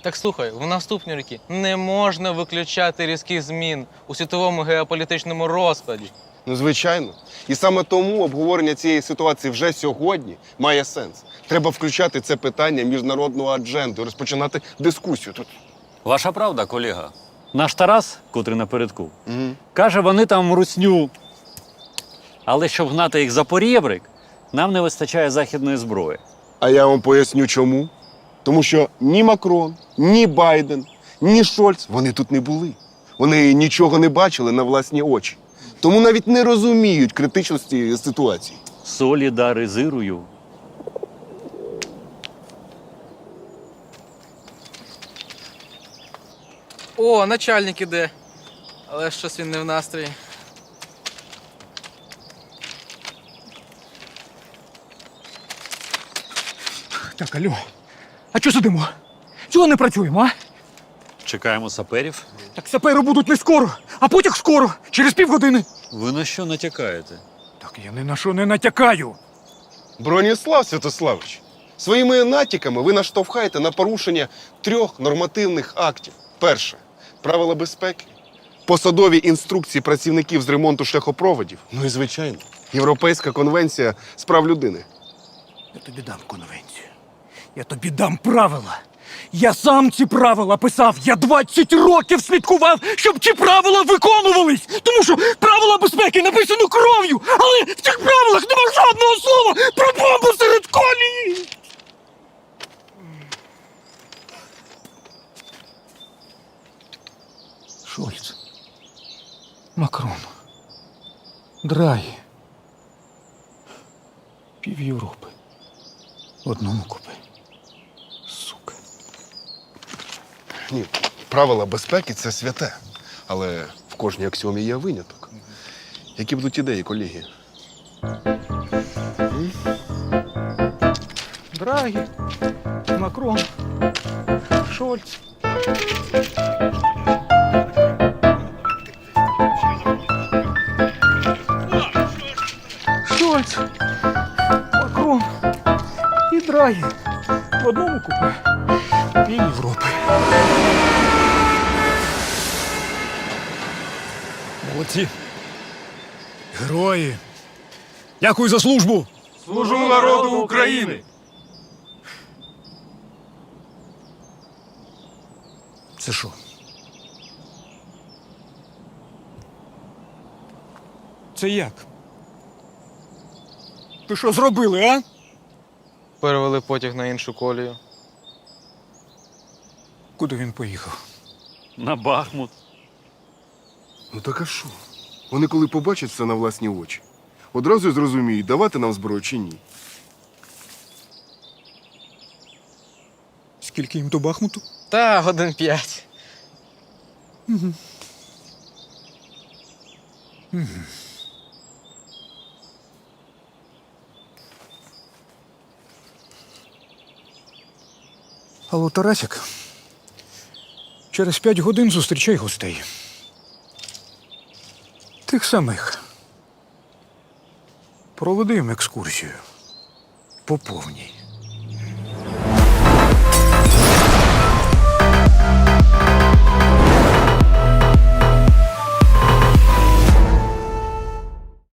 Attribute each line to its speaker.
Speaker 1: Так слухай, в наступні роки не можна виключати різких змін у світовому геополітичному розкладі.
Speaker 2: Ну, звичайно. І саме тому обговорення цієї ситуації вже сьогодні має сенс. Треба включати це питання в міжнародну адженду, розпочинати дискусію тут.
Speaker 3: Ваша правда, колега. Наш Тарас, котрий напередку, каже, вони там русню. Але щоб гнати їх за порєбрик, нам не вистачає західної зброї.
Speaker 2: А я вам поясню чому. Тому що ні Макрон, ні Байден, ні Шольц, вони тут не були. Вони нічого не бачили на власні очі. Тому навіть не розуміють критичності ситуації.
Speaker 3: Солідаризирую.
Speaker 1: О, начальник іде. Але щось він не в настрої.
Speaker 4: Так, алло. А чого сидимо? Чого не працюємо, а?
Speaker 3: Чекаємо саперів.
Speaker 4: Так сапери будуть не скоро, а потяг скоро, через півгодини.
Speaker 3: Ви на що натякаєте?
Speaker 4: Так я ні на що не натякаю.
Speaker 2: Броніслав Святославович, своїми натяками ви наштовхаєте на порушення 3 нормативних актів. Перше – правила безпеки, посадові інструкції працівників з ремонту шляхопроводів. Ну і, звичайно, Європейська конвенція з прав людини.
Speaker 4: Я тобі дам конвенцію. Я тобі дам правила. Я сам ці правила писав. Я 20 років слідкував, щоб ці правила виконувались. Тому що правила безпеки написано кров'ю, але в цих правилах нема жодного слова про бомбу серед колії. Шольц, Макрон, Драгі, пів Європи в одному купе. Сука.
Speaker 2: Ні, правила безпеки – це святе. Але в кожній аксіомі є виняток. Які будуть ідеї, колеги?
Speaker 4: Драгі, Макрон, Шольц. Шольц, Макрон і Драгі в одному купе пів Європи. Молодці. Герої. Дякую за службу.
Speaker 2: Служу народу України!
Speaker 4: Це що? Це як? Ви що зробили, а?
Speaker 1: Перевели потяг на іншу колію.
Speaker 4: Куди він поїхав?
Speaker 3: На Бахмут.
Speaker 2: Ну так а що? Вони коли побачать це на власні очі, одразу й зрозуміють, давати нам зброю чи ні.
Speaker 4: Скільки їм до Бахмуту?
Speaker 1: Та, годин 5.
Speaker 4: Алло, Тарасик, через 5 годин зустрічай гостей. Тих самих. Проведи їм екскурсію. По повній.